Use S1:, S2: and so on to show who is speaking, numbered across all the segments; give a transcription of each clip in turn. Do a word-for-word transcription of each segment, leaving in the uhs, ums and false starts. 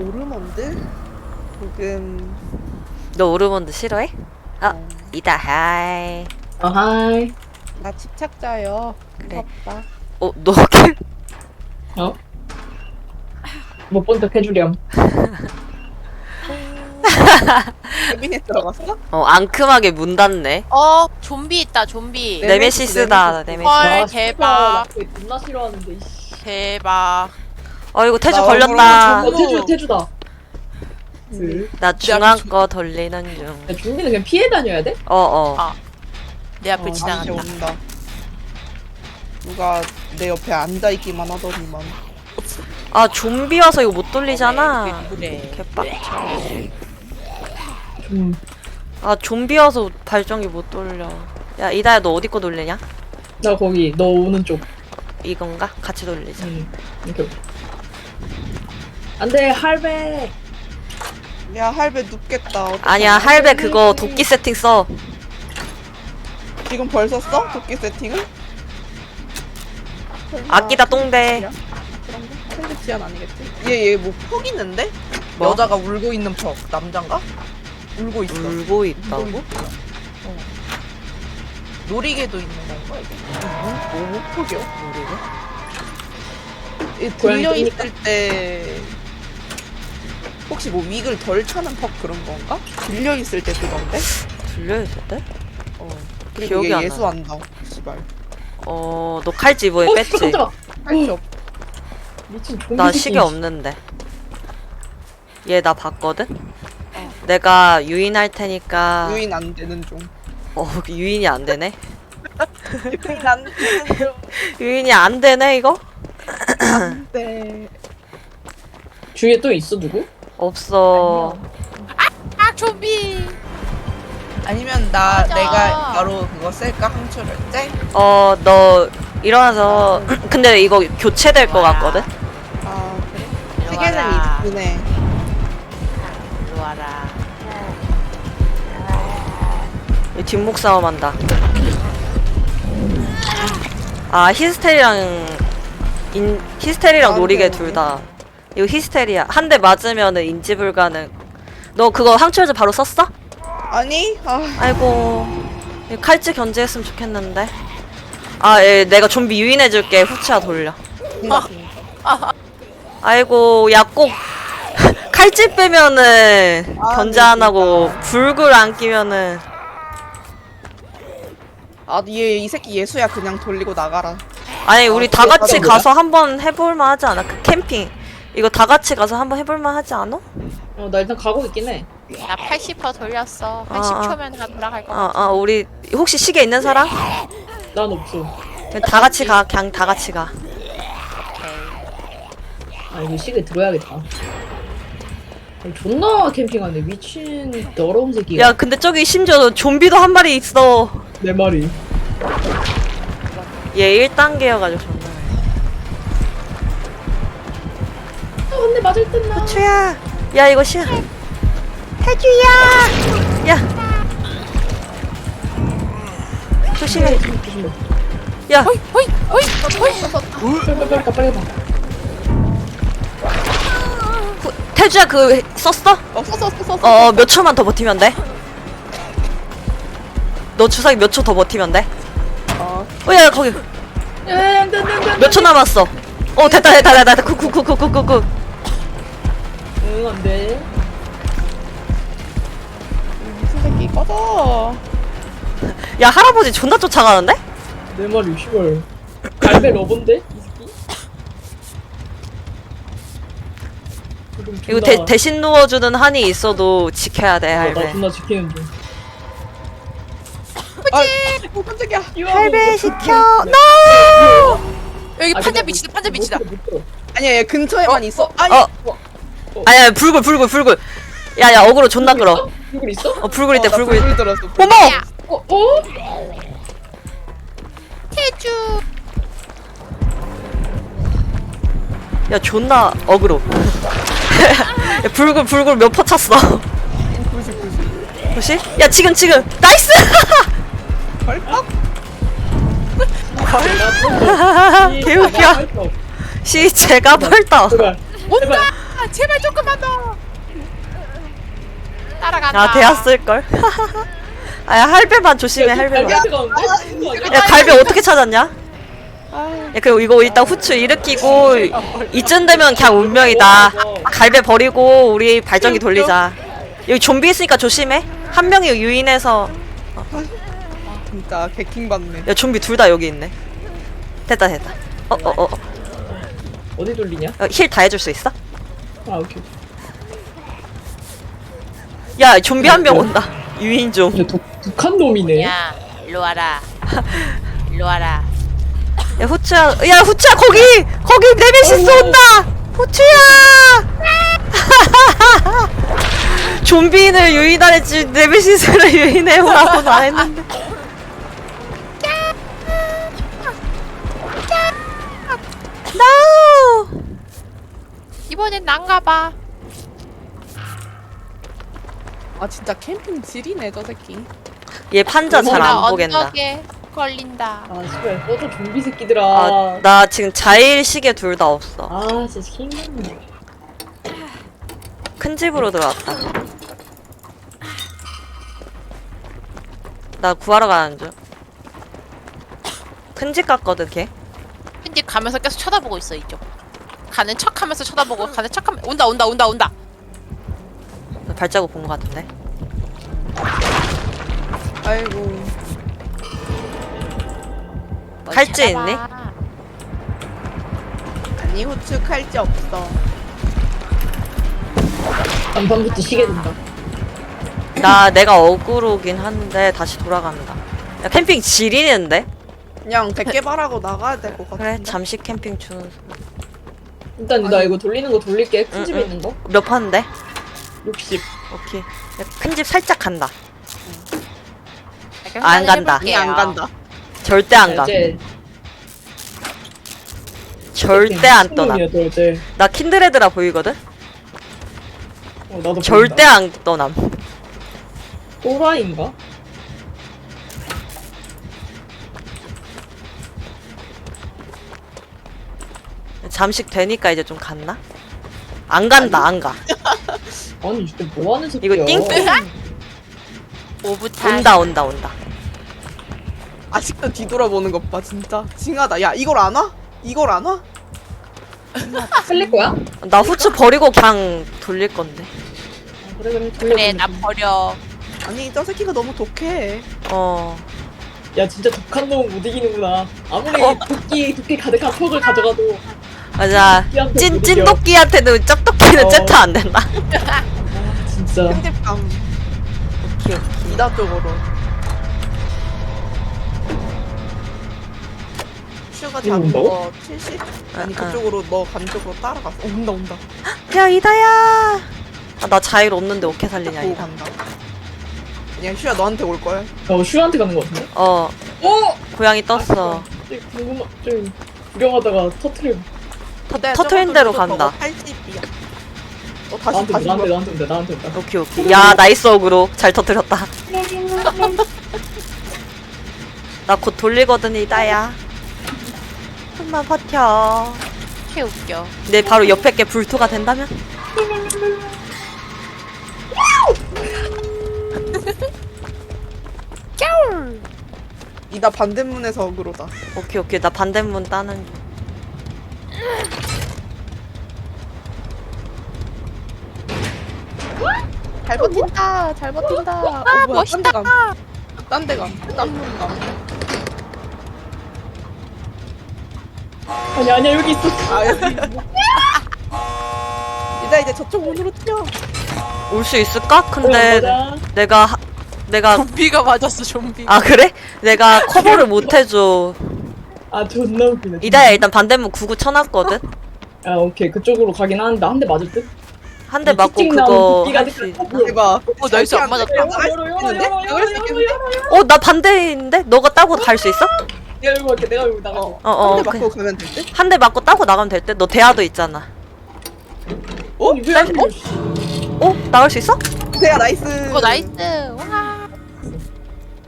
S1: 오르몬드? 지금
S2: 너 오르몬드 싫어해? 아,
S1: 어,
S2: 이다 하이.
S3: 어, 하이.
S1: 나 집착자요.
S2: 그래.
S1: 무섭다.
S2: 어, 너 캠?
S3: 어? 못 본 척 해주렴.
S1: 캐비넷 들어갔어?
S2: 어, 앙큼하게 문 닫네.
S4: 어, 좀비 있다, 좀비.
S1: 네.
S2: 네메시스다,
S1: 네메시스.
S2: 네메시스.
S4: 헐,
S3: 와,
S4: 대박.
S3: 씨발, 나 존나 싫어하는데, 이씨.
S4: 대박.
S2: 어, 이거 태주
S1: 나
S2: 걸렸다.
S3: 어, 태주, 태주다.
S1: 음.
S2: 나 중앙 거 돌리는 중.
S3: 야, 좀비는 그냥 피해 다녀야 돼?
S2: 어, 어.
S4: 아, 내 앞을
S3: 어,
S1: 다시
S4: 지나간다.
S1: 온다. 누가 내 옆에 앉아있기만 하더니만.
S2: 아, 좀비 와서 이거 못 돌리잖아.
S4: 그래.
S2: 개빡쳐.
S3: 좀.
S2: 아, 좀비 와서 발전기 못 돌려. 야, 이다야, 너 어디 거 돌리냐?
S3: 나 거기, 너 오는 쪽.
S2: 이건가? 같이 돌리자.
S3: 응. 이렇게. 안 돼, 할배.
S1: 야, 할배 눕겠다. 어떡하냐.
S2: 아니야, 할배 그거 도끼 세팅 써.
S1: 지금 벌써 써? 도끼 세팅을? 설마
S2: 아끼다 똥대.
S1: 그런 거? 캔드 지안 아니겠지? 얘, 얘 뭐 퍽 있는데?
S2: 뭐?
S1: 여자가 울고 있는 퍽. 남잔가? 울고 있어.
S2: 울고 있다고?
S1: 울고 있어. 어. 놀이개도 있는 건가, 이게? 뭐, 뭐 퍽이야?
S2: 모르게.
S1: 얘
S3: 고양이
S1: 들려있을 때 혹시 뭐 윅을 덜 차는 퍽 그런 건가? 들려있을 때 그건데?
S2: 들려있을 때?
S1: 어. 그리고
S2: 기억이
S1: 얘
S2: 안
S1: 예수한다. 씨발.
S2: 어, 너 칼집 이번에
S3: 어,
S2: 뺐지?
S3: 깜짝아.
S1: 할게 없.
S3: 미친 좀비.
S2: 나
S3: 새끼.
S2: 시계 없는데. 얘 나 봤거든? 내가 유인할 테니까.
S1: 유인 안 되는 중.
S2: 어, 유인이 안 되네?
S1: 유인 안 되는 중.
S2: 유인이 안 되네, 이거?
S1: 네.
S3: 주위에 또 있어, 누구?
S2: 없어.
S4: 아, 좀비.
S1: 아니면 나
S4: 맞아.
S1: 내가 바로 그거 쓸까? 항초를 째?
S2: 어, 너 일어나서. 근데 이거 교체될 것 같거든?
S1: 아 그래?
S4: 이리
S1: 시계는
S4: 와라.
S1: 있긴 해.
S4: 이리 와라.
S2: 이 뒷목 싸움한다. 아, 히스테리랑 인, 히스테리랑
S1: 아,
S2: 놀이개
S1: 네.
S2: 둘 다. 이거 히스테리야. 한 대 맞으면은 인지 불가능. 너 그거 항철제 바로 썼어?
S1: 아니? 아
S2: 아이고. 이 칼찌 견제했으면 좋겠는데. 아, 예, 내가 좀비 유인해줄게. 후치야 돌려. 아이고, 야, 꼭 칼찌 빼면은
S1: 아,
S2: 견제
S1: 네,
S2: 안 하고 불굴 안 끼면은.
S1: 아, 얘 이 새끼 예수야. 그냥 돌리고 나가라.
S2: 아니, 우리
S1: 아,
S2: 다
S1: 그게
S2: 같이
S1: 다른
S2: 가서 한번 해볼만 하지 않아? 그 캠핑. 이거 다 같이 가서 한번 해볼만 하지 않아?
S3: 어, 나 일단 가고 있긴 해.
S4: 나 팔십 퍼센트 돌렸어. 한
S2: 아,
S4: 십
S2: 아.
S4: 초면 다 돌아갈 거
S2: 아,
S4: 같아.
S2: 아, 우리 혹시 시계 있는 사람?
S3: 난 없어.
S2: 그냥 다 같이 가. 그냥 다 같이 가.
S3: 아, 이거 시계 들어야겠다. 아니, 존나 캠핑하네. 미친 더러운 새끼가.
S2: 야, 근데 저기 심지어 좀비도 한 마리 있어.
S3: 내 말이.
S2: 얘 일 단계여가지고 존나.
S3: 아, 근데 맞을 듯 나.
S2: 추야. 야, 이거 시야. 해주야. 야. 조심해.
S3: 조심해.
S2: 야.
S4: 호이, 호이, 호이, 호이.
S3: 빨리 빨리 가 빨리 가.
S2: 후, 태주야, 그 썼어?
S1: 어, 썼어, 썼어, 썼어.
S2: 어, 몇 초만 더 버티면 돼. 너 주사기 몇 초 더 버티면 돼.
S1: 어.
S2: 어, 야, 거기.
S3: 야, 안돼 안돼 안돼.
S2: 몇 초 남았어? 어, 됐다, 됐다, 됐다, 됐다. 쿡쿡쿡쿡쿡쿡.
S3: 응 안돼.
S1: 미친 새끼 꺼져.
S2: 야, 할아버지 존나 쫓아가는데?
S3: 내 말이 씨발. 갈배 러본데? 이 새끼. 지금
S2: 이거
S3: 존나-
S2: 대, 대신 누워주는 한이 있어도 지켜야 돼,
S3: 어, 나
S2: 할배.
S3: 존나 지키는 중.
S1: 아, 어, 깜짝이야.
S2: 할배 시켜. NO!
S4: 여기
S3: 아,
S4: 판자
S3: 근데
S4: 미치다,
S3: 못-
S4: 판자
S3: 못
S4: 미치다.
S3: 들어, 못 들어.
S1: 아니야, 얘 근처에만 있어. 아니,
S2: 어. 아니야, 불굴, 불굴, 불굴. 야, 야, 어그로 존나 끌어.
S3: 누구 있어?
S2: 어, 불굴 있대,
S1: 어, 나
S2: 불굴 있대.
S1: 불 들었어.
S2: 어머!
S4: 야,
S3: 어 어?
S4: 태주.
S2: 야, 존나 어그로. 야, 불굴, 불굴 몇 퍼 찼어?
S1: 구십, 구십.
S2: 혹시? 야, 지금, 지금. 나이스!
S1: 벌떡?
S2: 개웃겨. 시, 제가 벌떡.
S3: 제발. 제발.
S4: 아, 제발 조금만 더. 따라간다.
S2: 아 되었을걸. 아야 할배만 조심해 할배만.
S3: 갈비한테 가는데?
S2: 야 갈비 어떻게 찾았냐?
S1: 아,
S2: 야 그리고 이거 일단 후추 일으키고 이쯤 되면 그냥 운명이다. 갈배 버리고 우리 발전기 돌리자. 여기 좀비 있으니까 조심해. 한 명이 유인해서.
S1: 진짜 개킹 받네.
S2: 야 좀비 둘 다 여기 있네. 됐다 됐다. 어 어 어.
S3: 어디 돌리냐?
S2: 힐 다 해줄 수 있어?
S3: 아 오케이.
S2: 야 좀비 한 명 온다. 유인 좀.
S3: 야 독, 독한 놈이네.
S4: 야, 일로 와라. 일로 와라.
S2: 야 후추야. 야 후추야 거기 거기 네메시스 온다. 후추야. 좀비인을 유인하랬지 네메시스를 유인해오라고는 안 했는데. No!
S4: 이번엔 난가봐.
S1: 아 진짜 캠핑 지리네 저 새끼.
S2: 얘 판자 잘 안 보겠다.
S4: 언덕에 걸린다.
S3: 아 씨발 꺼져 좀비 새끼들아.
S2: 아, 나 지금 자일 시계 둘 다 없어.
S3: 아 진짜 킹받네.
S2: 큰 집으로 들어왔다. 나 구하러 가는 중. 큰 집 갔거든 걔.
S4: 근데 가면서 계속 쳐다보고 있어 이쪽. 가는 척하면서 쳐다보고 가는 척하면 온다 온다 온다 온다.
S2: 발자국 본 것 같은데.
S1: 아이고.
S2: 칼집 있니?
S1: 아니 후추 칼집 없어.
S3: 간판부터 시계 된다.
S2: 나 내가 어그로긴 한데 다시 돌아간다. 야 캠핑 지리는데?
S1: 그냥 백개발하고 나가야 될 것 같은데.
S2: 그래 잠시 캠핑 주는.
S3: 일단 나 이거 돌리는 거 돌릴게. 큰
S2: 응,
S3: 집에
S2: 응.
S3: 있는 거.
S2: 몇 판데?
S3: 육십.
S2: 오케이. 큰 집 살짝 간다.
S4: 그럼
S2: 안 간다.
S1: 아니 안 간다.
S2: 절대 안 가.
S3: 이제
S2: 절대 안 떠나.
S3: 미친놈이야, 너 어제.
S2: 나 킨드레드라 보이거든?
S3: 어, 나도
S2: 절대 안 떠남.
S3: 또라이인가?
S2: 잠식 되니까 이제 좀 갔나? 안 간다 안 가.
S3: 아니 진짜 뭐 하는 새끼야?
S2: 이거 띵
S4: 오부타.
S2: 온다 온다 온다.
S1: 아직도 뒤돌아보는 것 봐 진짜. 징하다. 야 이걸 안 와? 이걸 안 와?
S3: 살릴 거야?
S2: 나 후추 버리고 그냥 돌릴 건데.
S3: 아, 그래 그래 돌려.
S4: 그래 나 버려.
S1: 아니 저 새끼가 너무 독해.
S2: 어.
S3: 야 진짜 독한 놈은 못 이기는구나. 아무리
S2: 어.
S3: 도끼 도끼 가득한 퍽을 가져가도.
S2: 맞아. 찐 찐도끼한테는 짭도끼는
S3: 어.
S2: 잽타 안 된다.
S3: 아 진짜.
S1: 편집감.
S2: 오케이 오케이.
S1: 이다 쪽으로. 슈가
S3: 이거
S1: 잡은
S3: 온다고?
S1: 거 칠십? 아니
S2: 아, 아.
S1: 그쪽으로 너 간 쪽으로 따라갔어. 어, 온다 온다.
S2: 야 이다야. 아, 나 자일 없는데 어떻게 살리냐
S1: 보고
S2: 이다.
S1: 간다. 그냥 슈야 너한테 올 거야.
S3: 어 슈한테 가는 거 같은데?
S2: 어
S3: 어?
S2: 고양이 떴어.
S3: 저기 궁금한 좀 구경하다가 터트려.
S1: 근데
S2: 터트린
S1: 저거
S2: 대로
S1: 저거
S2: 간다.
S1: 팔십이야. 어 다시
S3: 나한테
S1: 다시
S3: 나한테
S1: 뭐-
S3: 나한테 온다 나한테 온다.
S2: 오케이 오케이. 야 나이스 어그로 잘 터뜨렸다. 나 곧 돌리거든 이다야. 좀만 버텨.
S4: 개 웃겨.
S2: 내 바로 옆에 게 불토가 된다면?
S1: 이다 반대문에서 어그로다.
S2: 오케이 오케이 나 반대문 따는 중.
S1: 잘 버틴다. 잘 버틴다. 어,
S4: 아
S1: 뭐야, 딴 데
S4: 멋있다.
S1: 감. 딴 데 감. 딴 문 감.
S3: 아니 아니야 여기 있어.
S1: 아 여기. 이다 이제 저쪽 문으로 튀어.
S2: 올 수 있을까? 근데
S3: 어, 맞아.
S2: 내가 하, 내가
S4: 좀비가 맞았어 좀비.
S2: 아 그래? 내가 커버를 못 해줘.
S3: 아 존나 웃기네.
S2: 이다야 일단 반대문 구구 쳐놨거든.
S3: 아 오케이 그쪽으로 가긴 하는데 한 대 맞을 듯?
S2: 한 대 맞고 그거 할 수 있.
S1: 대박.
S4: 어, 나이스 안 맞았다.
S3: 열어 열어 열어 열어 열어 열어 열어 열어.
S2: 어 나 반대인데? 너가 따고 갈 수 있어?
S3: 내가 열고 갈게 내가 열고 나가.
S1: 어.
S2: 어, 어,
S1: 한대
S2: 그-
S1: 맞고 가면 될 듯?
S2: 한 대 맞고 따고 나가면 될 때. 너 대화도 있잖아.
S1: 어?
S3: 아니 왜안 열려?
S2: 어? 나갈 수 있어?
S1: 대야 나이스.
S4: 어 나이스. 와.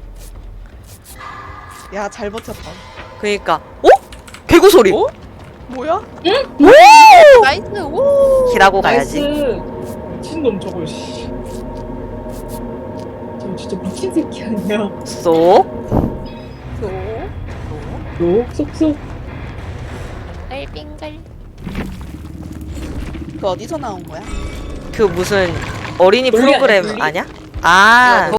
S1: 야 잘 버텼다.
S2: 그니까. 어? 개구 소리.
S1: 어? 뭐야?
S2: 오!
S4: 나이스. 오.
S2: 길하고
S3: 나이스.
S2: 가야지.
S3: 미친놈 저거 씨. 저 진짜 미친 새끼 아니야.
S2: 쏙.
S1: 소.
S3: 쏙쏙쏙.
S4: 빙글.
S1: 그 어디서 나온 거야?
S2: 그 무슨 어린이
S3: 분리 아니야,
S2: 프로그램
S3: 분리?
S2: 아니야? 아.